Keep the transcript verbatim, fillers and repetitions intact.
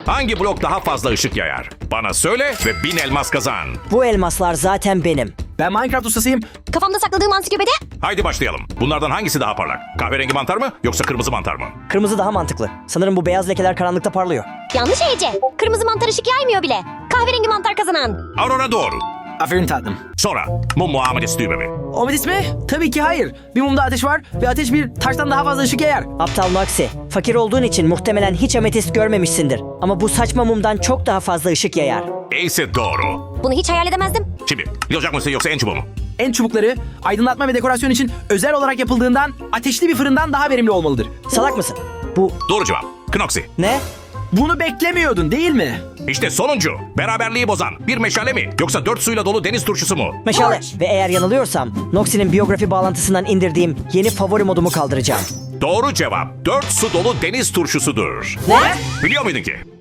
Hangi blok daha fazla ışık yayar? Bana söyle ve bin elmas kazan. Bu elmaslar zaten benim. Ben Minecraft ustasıyım. Kafamda sakladığım ansiklopedi. Haydi başlayalım. Bunlardan hangisi daha parlak? Kahverengi mantar mı yoksa kırmızı mantar mı? Kırmızı daha mantıklı. Sanırım bu beyaz lekeler karanlıkta parlıyor. Yanlış Ece. Kırmızı mantar ışık yaymıyor bile. Kahverengi mantar kazanan. Aurora doğru. Aferin tatlım. Sonra mum muamelesi düğme mi? Omidis mi? Tabii ki hayır. Bir mumda ateş var ve ateş bir taştan daha fazla ışık yayar. Aptal Noxy, fakir olduğun için muhtemelen hiç ametist görmemişsindir. Ama bu saçma mumdan çok daha fazla ışık yayar. Ace doğru. Bunu hiç hayal edemezdim. Şimdi yılacak mısın yoksa en çubuğu mu? En çubukları aydınlatma ve dekorasyon için özel olarak yapıldığından ateşli bir fırından daha verimli olmalıdır. Salak mısın? Bu Doğru cevap. Knoxy. ne? Bunu beklemiyordun değil mi? İşte sonuncu. Beraberliği bozan. Bir meşale mi? Yoksa dört suyla dolu deniz turşusu mu? Meşale. Ve eğer yanılıyorsam, Noxy'nin biyografi bağlantısından indirdiğim yeni favori modumu kaldıracağım. Doğru cevap. Dört su dolu deniz turşusudur. Ne? Biliyor muydun ki?